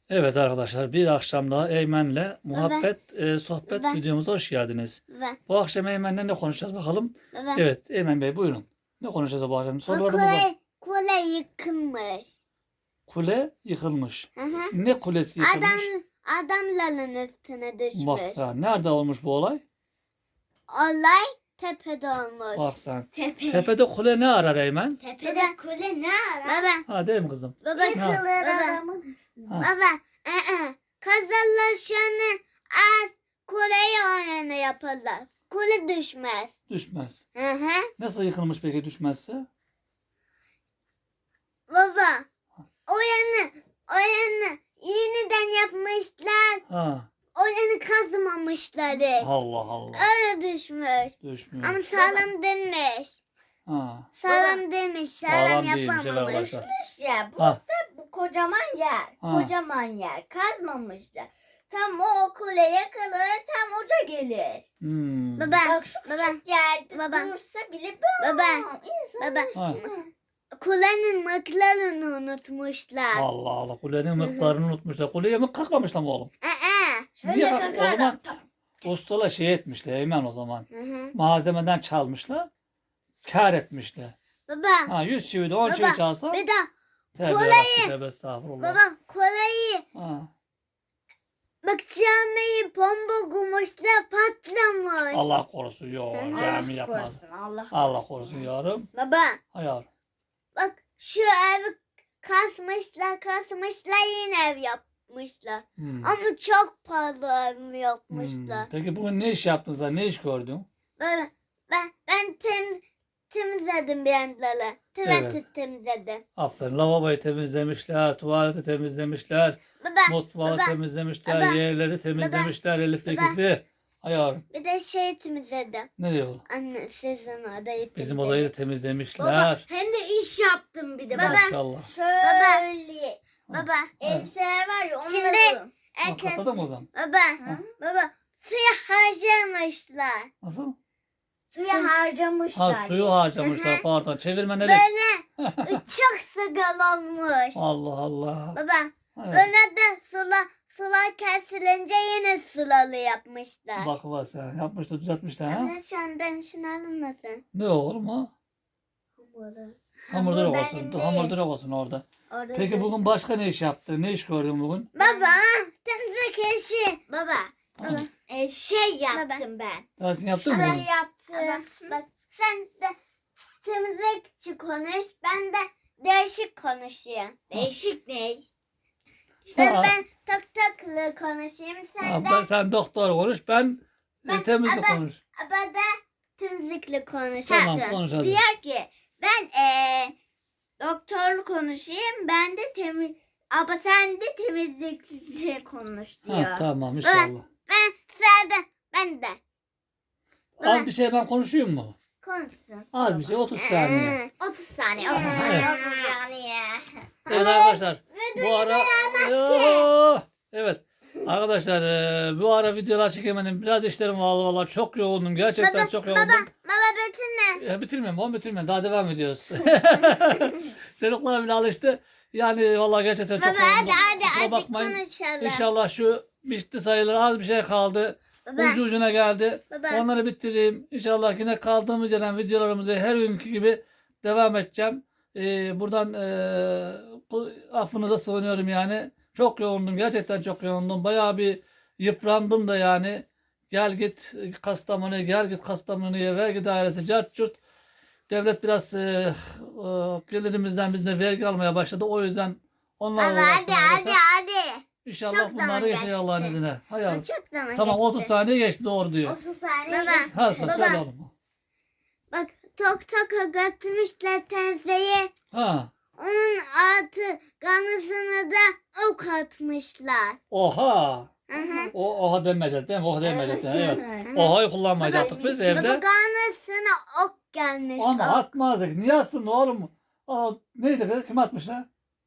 Evet arkadaşlar, bir akşam daha Eymen'le Baba. sohbet Baba. videomuza hoş geldiniz. Baba. Bu akşam Eymen'le ne konuşacağız bakalım. Baba. Evet Eymen Bey, buyurun. Ne konuşacağız bu akşam? Bu Sorularımız var. kule yıkılmış. Kule yıkılmış. Hı hı. Ne kulesi yıkılmış? Adamların üstüne düşmüş. Bak sen, nerede olmuş bu olay? Olay tepede olmuş. Bak sen. Tepe. Tepede kule ne arar Eymen? Tepede kule ne arar? Baba. Ha, değil mi kızım? Baba. Yıkılır Baba. adamın üstüne. Ha. Baba. Kazarlar şunu az kuleyi o yana yaparlar. Kule düşmez. Düşmez. Hı hı. Nasıl yıkılmış peki düşmezse? Baba. O yana yeniden yapmışlar. Ha. O yana kazmamışlar. Allah Allah. Öyle düşmüş. Düşmüyor. Ama sağlam demiş. Ha. Sağlam demiş. Sağlam Sağlam değilmiş yapamamış. arkadaşlar. Düşmüş ya. Bu Ha. da bu kocaman yer. Ha. Kocaman yer. Kazmamışlar. Tam o kule yakılır, tam uca gelir. Hmm. Baba. Bak şu Baba. yerde Baba. dursa bile Baba. İnsanın Baba. Ha. üstüne. Kulenin mıklarını unutmuşlar. Allah Allah. Kulenin miktarını unutmuşlar. Kuleye mi kalkmamışlar mı oğlum? Şöyle Niye? kakar. O zaman ustalar şey etmişler Eymen o zaman. Hı hı. Malzemeden çalmışlar. Kâr etmişler. Baba. Ha 100 çivi de 10 çivi Baba. çalsa. Bir de Tövbe kuleyi- yarabbim, tövbe estağfurullah. baba kuleyi Ha. bak camiyi bomba kumuşlar patlamış. Allah korusun. Yok, Hı hı. cami yapmaz. Korusun, Allah Allah korusun yavrum. Baba Ha yavrum. bak şu evi kasmışlar yine ev yapmışlar. Hmm. Ama çok pahalı ev Hmm. yapmışlar. Peki bugün ne iş yaptınız da ne iş gördün? Ben temizledim bir yanları. Tuvaleti Evet. temizledim. Aferin. Lavaboyu temizlemişler, tuvaleti temizlemişler, Baba, mutfağı baba, temizlemişler, baba, yerleri temizlemişler, Elif baba. ikisi. Ha yavrum. bir de şey temizledim. Ne diyor? Anne sizin odayı Bizim odayı da temizledim. temizlemişler. Hem de iş yaptım bir de. Baba. Maşallah. Şöyle. Baba, Elbiseler var ya onları. Şimdi- Ha, herkes, kapatalım o zaman. baba, suyu harcamışlar. Nasıl? Suya harcamışlar. Ha, suyu harcamışlar, pardon. Çevirmen Elif. Böyle çok sıgal olmuş. Allah Allah. Baba, Evet. öyle de sular kesilince yine sulalı yapmışlar. Bak bak sen. Yapmışlar, düzeltmişler ha. Şu andan şunu alınmasın. Ne olur mu? Hamurdur olsun. Hamurdur olsun orada. Orada Peki bugün başka ne iş yaptın? Ne iş gördün bugün? Baba, temizlik işi. Baba, Ha, Şey yaptım ben. dersini yaptın mı Ben bugün? yaptım. bak sen de temizlikçi konuş, ben de değişik konuşayım. Değişik ne? Ha, Ben tak taklı konuşayım, ha, sen doktor konuş, ben temizlik konuş. ben de temizlikli konuşayım. Tamam, konuş hadi. Diyor ki ben doktorlu konuşayım, ben de ama sen de temizlikçi konuş diyor. Ha, tamam inşallah. Ben de Az bir şey ben konuşayım mu? Konuşsun. Az bir şey, 30 saniye. 30 saniye, 30 Evet. saniye, 30 saniye. Evet arkadaşlar. Bu ara... Yoo! Evet. Arkadaşlar bu ara videolar çekemedim. Biraz işlerim var vallahi, çok yoğundum. Gerçekten çok yoğundum. baba bitirme. Bitirmiyorum oğlum, bitirmiyorum. Daha devam ediyoruz. Çocuklar bile alıştı. Yani vallahi gerçekten çok Baba yoğundum. hadi Kusura bakmayın. konuşalım. İnşallah şu bitti sayılır. Az bir şey kaldı. Baba. Ucu ucuna geldi. Baba. Onları bitireyim. İnşallah yine kaldığımız yerden videolarımızı her günkü gibi devam edeceğim. Buradan affınıza sığınıyorum yani. Çok yoğundum. Gerçekten çok yoğundum. Bayağı bir yıprandım da yani. Gel git Kastamonu'ya, gel git Kastamonu'ya, vergi dairesi, cart curt. Devlet biraz gelirimizden bizden vergi almaya başladı. O yüzden onlarla Baba uğraştım arkadaşlar. hadi. İnşallah Çok zaman bunları geçecek geçti. Allah'ın izniyle. Hayır. Çok zaman Tamam, geçti. 30 saniye geçti, doğru diyor. 30 saniye Baba. geçti. Ha, söyle Baba. oğlum. Bak tok götürmüşler teyzeye. Ha. Onun altı kanısını da ok atmışlar. Oha. Hı hı. Oha demeyecek değil mi? Oha demeyecek. Evet. Evet. Oha'yı kullanmayacaktık biz Baba evde. kanısına ok gelmiş. Ama ok. atmazdık. Niye atsın oğlum? Aa, neydi kız? Kim atmışlar?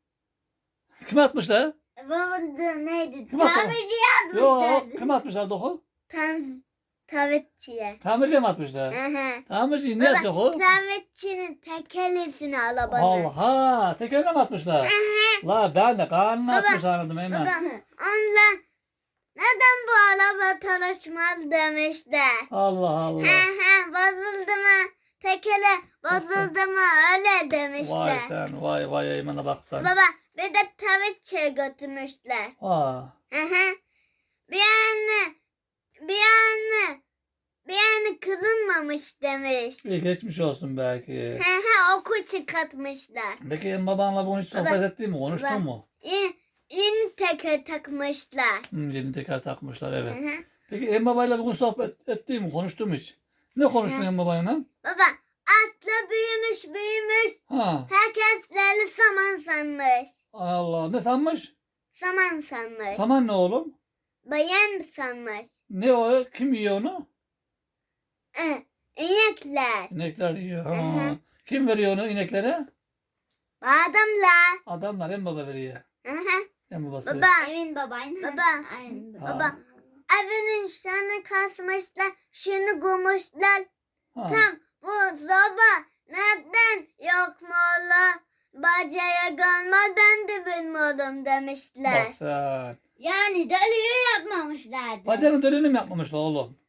Kim atmışlar? Baba da neydi? Kim atmış? Tamirci Yok, yazmışlardı. kim atmışlar doku? Tavetçiye. Tamirciye mi atmışlar? Hı hı. Tamirci ne Baba, yapacak o? tavetçinin tekerlesini arabanın. Allah, tekerine mi atmışlar? La ben de karnına atmış anladım Baba, hemen. onunla neden bu araba çalışmaz demişler. Allah Allah. Bozuldu mu? Tekele bozuldu mu? Öyle Vay demişler. sen, vay Eymen'e bak sen. Baba bir de tavetçiye götürmüşler. Aa, Bir anne kızılmamış demiş. iyi geçmiş olsun belki. Oku çıkartmışlar. Peki en babanla bunu hiç sohbet Baba, ettin mi? Konuştun baba. mu? Yeni teker takmışlar. Yeni teker takmışlar evet. Hı hı. Peki en babayla bugün sohbet ettin mi? Konuştun mu hiç? Ne konuştun en babayla? Baba atla büyümüş. Ha, Herkesleri saman sanmış. Allah ne sanmış? Saman sanmış. Saman ne oğlum? Bayan sanmış. Ne o? Kim yiyor onu? İnekler. İnekler yiyor. Ha. Hı hı. Kim veriyor onu ineklere? Adamlar. Adamlar en baba veriyor. En babası. Baba. Emin babayın. Baba. Aynen Ha. Baba. Evinin şunu kasmışlar. Şunu koymuşlar. Ha. Tam bu zoba nereden yok mu oğlum? Bacaya gelmez ben de bilmiyorum demişler. Bak sen. Yani dölüyü yapmamışlardı. Bacanın dönünü mü yapmamışlar oğlum?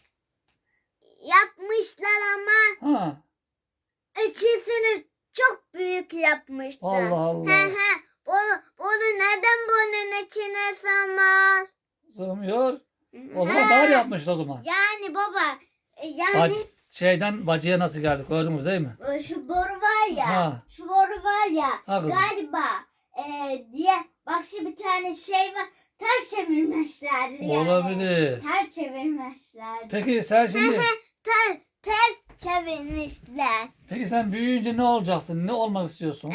Yapmışlar ama Ha. içisini çok büyük yapmışlar. Allah Allah. Bunu neden bunun içine sığmaz? Sığmıyor. O zaman dar yapmışlar o zaman. Yani baba Bac şeyden bacıya nasıl geldik gördünüz değil mi? şu boru var ya. Ha. Şu boru var ya. Ha kızım. Galiba diye bak şu bir tane şey var. Ters çevirmişlerdi yani. Olabilir. Ters çevirmişlerdi. Peki sen şimdi Ters çevirmişler. peki sen büyüyünce ne olacaksın? Ne olmak istiyorsun?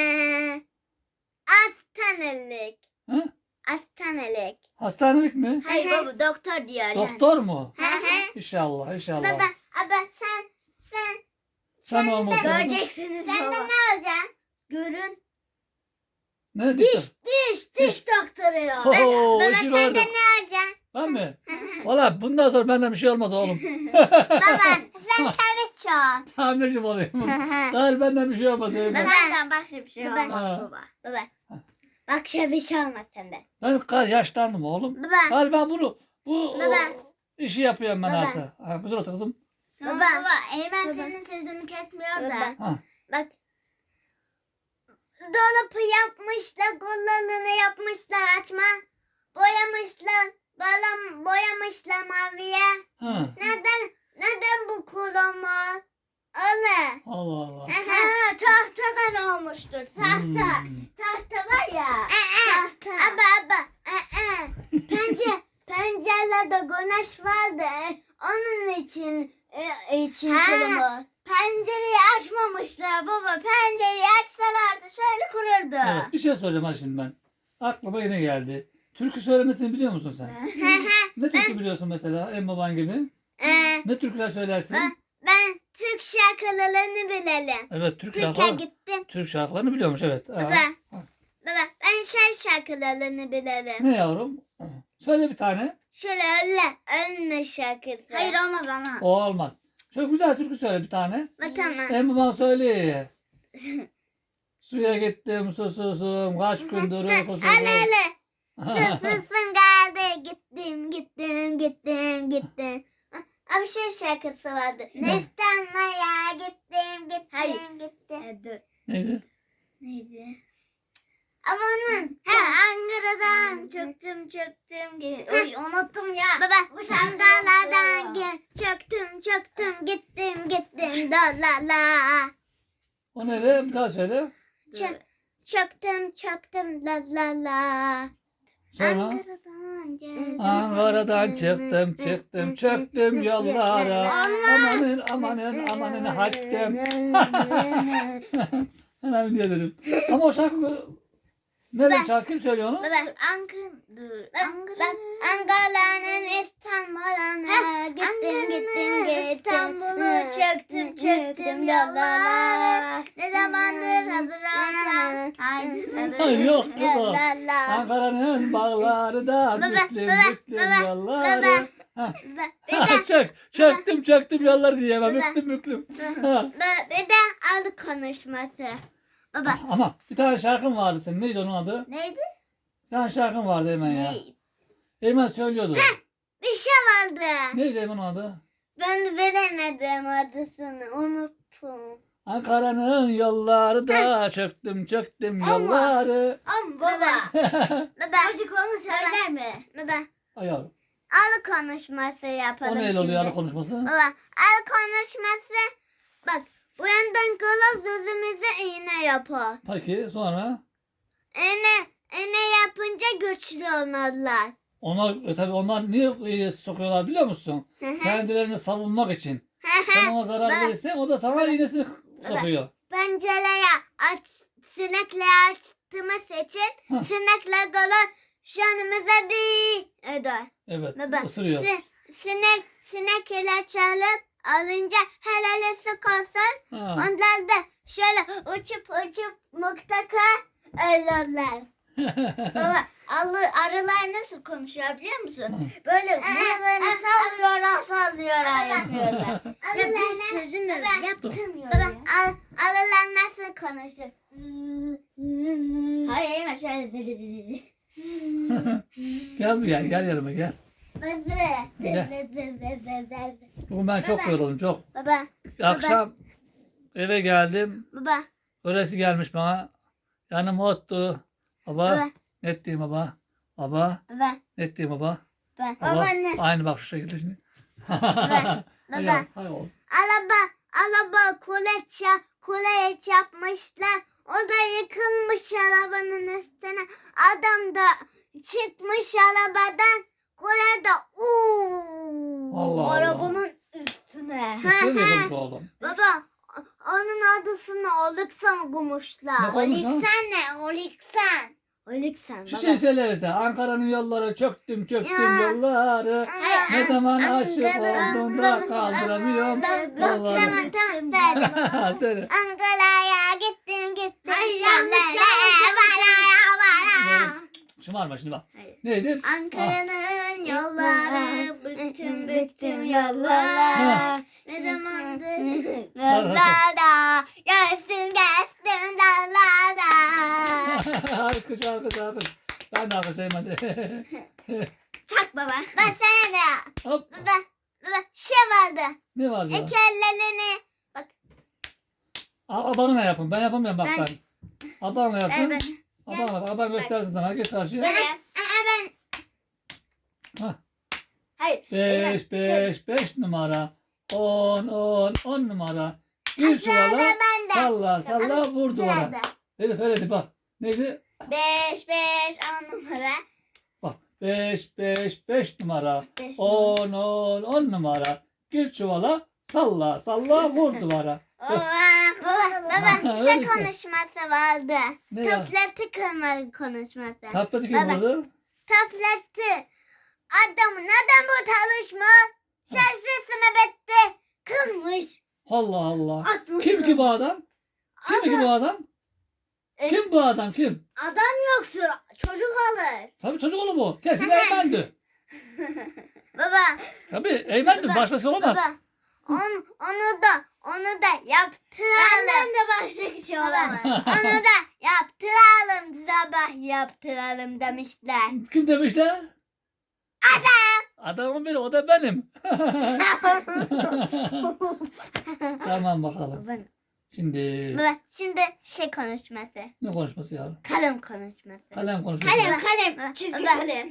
Hastanelik. Hı? Hastanelik. Hastanelik mi? Hayır baba doktor diyor yani. Doktor mu? Hı hı. İnşallah, inşallah. Baba Sen olmasın. Göreceksiniz sen de baba. ne olacaksın? Görün. Ne Diş diyeceğim? diş doktoru ya. Oho, Baba işi sen vardı. de ne olacaksın? Ben mi? Valla bundan sonra benden bir şey olmaz oğlum. Baba sen tabii çok. Tamirci olayım. Hayır benden bir şey olmaz. Eymen. Nereden bak şimdi bir şey Baba. olmaz baba. Baba. Bak şöyle bir şey olmaz sende. Ben yaşlandım oğlum. Baba. Hayır ben bu Baba. işi yapıyorum ben Baba. artık. Ha, güzel otur kızım. Tamam Baba. baba Eymen Baba. senin sözünü kesmiyor da. Baba. Ha. Bak. Dolapı yapmışlar, kollarını yapmışlar açma. Boyamışlar, boyamışlar maviye. Ha. Neden bu kullanma? Öyle. Allah Allah. Ha tahtadan olmuştur. Tahta. Hmm. Tahta var ya. Tahta. Aba. Pencerede güneş vardı. Onun için Ha. kullanma. Pencereyi açmamışlar baba. Pencereyi açsalardı şöyle kururdu. Evet, bir şey soracağım ha şimdi ben. Aklıma yine geldi. Türkü söylemesini biliyor musun sen? Ne türkü biliyorsun mesela en baban gibi? Ne türküler söylersin? Ben Türk şarkılarını bilelim. Evet, Türk Türkiye şarkıları. gittim. Türk şarkılarını biliyormuş evet. Ha. Baba. Ha. Baba ben şarkılarını bilelim. Ne yavrum? Ha. Söyle bir tane. Şöyle ölme şarkısı. Hayır olmaz ana. O olmaz. Şöyle güzel türkü söyle bir tane. Tamam. En baban söyle. Suya gittim susuzum kaç gündür uykusuzum. Ale. Susuzsun geldi. Gittim. Abi şarkısı vardı. İstanbul'a gittim. Hayır. Gittim. Neydi? Neydi? Ama onun. Ankara'dan çöktüm. Oy unuttum ya. Baba Bu şangalardan çöktüm. Gittim. La. O ne? Bir daha söyle. Çöktüm. La. Sonra. Ankara'dan geldim. Ankara'dan çıktım çöktüm yollara. Amanın haccem. Hemen diyelim. Ama o şarkı nerede şarkı kim söylüyor onu? Baba. Ankara'nın İstanbul'a gittim. İstanbul'u çöktüm yollara. Ne zamandır hazır olsam. Hayır yok kız o. Ankara'nın bağları da büklüm yolları. Ha. Bir de Çöktüm yolları diye. Ben Bir de- büklüm büklüm. Ha. bir de al konuşması. Baba Ama bir tane şarkın vardı senin. Neydi onun adı? neydi? Bir tane şarkın vardı Eymen ya. Ne? Eymen söylüyordu. Bir şey vardı. Neydi Eymen onun adı? Ben bilemedim adısını unuttum. Ankara'nın yolları da çöktüm yolları. Baba. Baba. Çocuk onu söyler mi? Baba. Ay yavrum. Al konuşması yapalım O neyle şimdi. oluyor arı konuşması? Baba al konuşması. Bak bu yandan kola sözümüzü iğne yapar. Peki sonra? İğne yapınca güçlü olurlar. Onlar tabii onlar niye sokuyorlar biliyor musun? Kendilerini savunmak için. Sen ona zarar Ben- verirsen o da sana iğnesini sokuyor. Pencereye sinekle açtığımız için Hah. sinekle kola şanımıza değil eder. Evet Baba ısırıyor. sinek ilaç alıp alınca helal su koysun. Ha. Onlar da şöyle uçup mutlaka ölürler. Baba arılar nasıl konuşuyor biliyor musun? Hı. Böyle buralarını sallıyorlar yapıyorlar. Ya bir Arılar sözünü Baba, yaptırmıyor Baba, ya. arılar nasıl konuşur? Hayır hemen şöyle dedi. Gel buraya gel yanıma gel. Bugün ben çok yoruldum çok. Baba, Akşam eve geldim. baba, Öylesi gelmiş bana. Yanıma oturdu. Baba. Baba. Ne ettiğim baba? Baba. baba, Ne ettiğim baba? baba. Baba. Aynı bak şu şekilde şimdi. Baba. Hay oğlum. Araba kule yapmışlar. O da yıkılmış arabanın üstüne. Adam da çıkmış arabadan. Kule de Allah Allah. Arabanın üstüne. Nasıl yıkılmış oğlum? Baba onun adısını Oliksan kumuşlar. Ne koymuş ha? Ne? Oliksan Bir baba. şey söylese. Ankara'nın yolları çöktüm Ya. yolları. Ne zaman aşık oldum da kaldıramıyorum. Vallahi. Tamam. Söyle. Ankara'ya gittim. Hayır, Şöyle yanlış. Şımarma şimdi bak. Hayır. Neydi? Ankara'nın Yolları büktüm Ha. yollara. Ne zamandır? Yollara geçtim dağlara. Alkış alkış alkış. Ben de alkışlayayım hadi. Çak baba. Ben sana da. Hop. Baba şey vardı. Ne var ya? İki ellerini. Abanla yapın. Ben yapamıyorum bak Ben- ben. Abanla yapın. Evet. Abanla. Aban göstersin sana. Geç karşıya. Böyle. Ben Hah. Hayır. 5 numara. 10 numara. Gir çuvala. ben de. Salla vur duvara. Sırada. Elif öyle bak. Neydi? 5 10 numara. Bak 5 numara. 5 10 numara. Gir çuvala. Salla vur duvara. Baba Öyle şey işte. konuşması vardı. Ne ya? Tableti kırma konuşması. Tableti kim Baba. vurdu? Tableti. Neden bu çalışma? Şarjısını bitti. Kırmış. Allah Allah. Atmış. Kim ki bu adam? Kim bu adam? Kim bu adam kim? Adam yoktur. Çocuk alır. Tabii çocuk oğlu bu. Kesin Eymen'di. Baba. Tabii Eymen'di. Baba, Başkası olamaz. Baba. Onu da yaptıralım. Benden de başka kişi olamaz. Onu da yaptıralım. Sabah yaptıralım demişler. Kim demişler? Adam. Adamın biri o da benim. Tamam bakalım. Baba, Şimdi baba, şimdi şey konuşması. ne konuşması yavrum? Kalem konuşması. Kalem konuşması. Kalem. Çizgi Baba, kalem.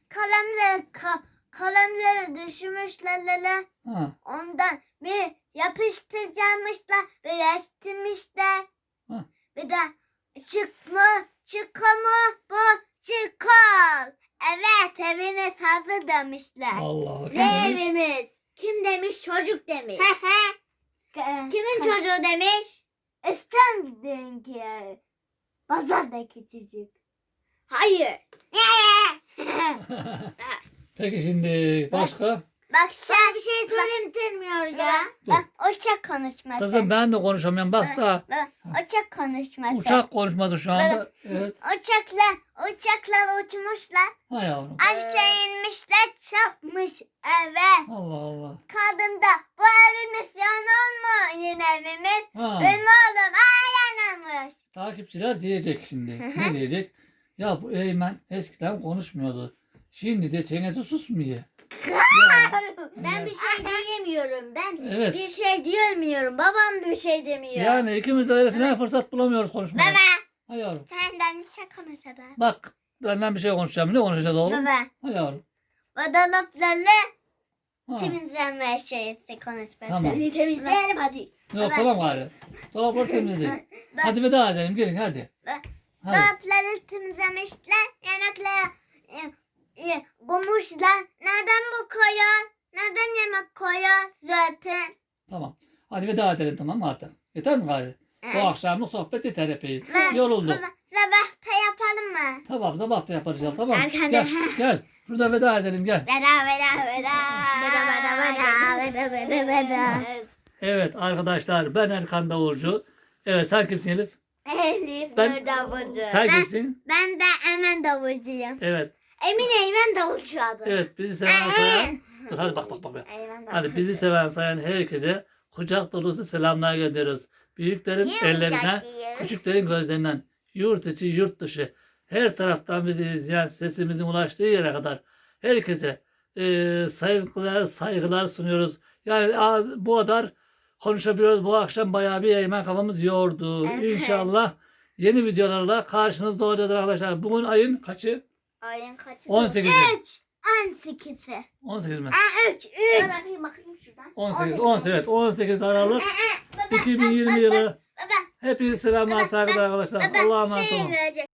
kalemleri düşürmüşler lele. Ha. Ondan bir yapıştıracakmışlar, bir restirmişler. Ha. Bir de çıkma bu çıkol. Evet eviniz hazır demişler. Allah. Kim Ne demiş? evimiz? Kim demiş? Çocuk demiş. Kimin Kimin çocuğu demiş? İstanbul'daki pazardaki çocuk. Hayır. Peki şimdi başka? Bak Sana bir şey söylemiyor ya. Bak uçak konuşması. Kızım ben de konuşamıyorum. Baksana. Bak, uçak konuşması. Uçak konuşması şu anda. Evet. Uçaklar uçmuşlar. Ha yavrum. Aşağı inmişler çarpmış eve. Allah Allah. Kadın da bu evimiz yanar mı? Yine evimiz. Ha. Benim oğlum yanarmış. Takipçiler diyecek şimdi. Ne diyecek? Ya bu Eymen eskiden konuşmuyordu. Şimdi de çenesi susmuyor. Ya, Ben bir şey diyemiyorum. Ben Evet. bir şey diyemiyorum. Babam bir şey demiyor. Yani ikimiz de öyle falan fırsat bulamıyoruz konuşmaya. Baba Ha yavrum. senden bir şey konuşalım. Bak benden bir şey konuşacağım. Ne konuşacağız oğlum? Baba Ha yavrum. o dolaplarla Ha. temizlenme şeysi konuşması. Tamam. Hadi temizleyelim hadi. Yok tamam gari. Dolapları temizledik. Hadi veda edelim. Gelin hadi. Hadi. Dolapları temizlemişler. Yanaklara bulmuşlar. Neden bu koyuyor? Neden yemek koyuyor zaten? Tamam. Hadi veda edelim tamam mı artık? Yeter mi gari? Bu akşamlık sohbet yeter epey. Yorulduk. Baba sabahta yapalım mı? Tamam sabah da yaparız ya tamam mı? Erken Gel gel. Şurada veda edelim gel. Veda. Evet arkadaşlar ben Erkan Davulcu. Evet sen kimsin Elif? Elif Ben- Nur Davulcu. Sen kimsin? Ben de hemen davulcuyum. Evet. Emine Eymen Davulcu adı. Evet bizi seven sayan. Dur hadi bak. Eymen Davulcu. Hadi bizi seven sayan herkese kucak dolusu selamlar gönderiyoruz. Büyüklerin ellerinden, küçüklerin gözlerinden, yurt içi yurt dışı her taraftan bizi izleyen sesimizin ulaştığı yere kadar herkese saygılar sunuyoruz. Yani bu kadar konuşabiliyoruz. Bu akşam bayağı bir Eymen kafamız yordu. Evet. İnşallah yeni videolarla karşınızda olacağız arkadaşlar. Bugün ayın kaçı? Ayın kaçı? 18'i. 18'i. 18 mi? 3. Ben bakayım şuradan. 18 evet 18 Aralık 2020 yılı. Baba. Hepinize selamlar saygılar arkadaşlar. Allah'a emanet olun. Şey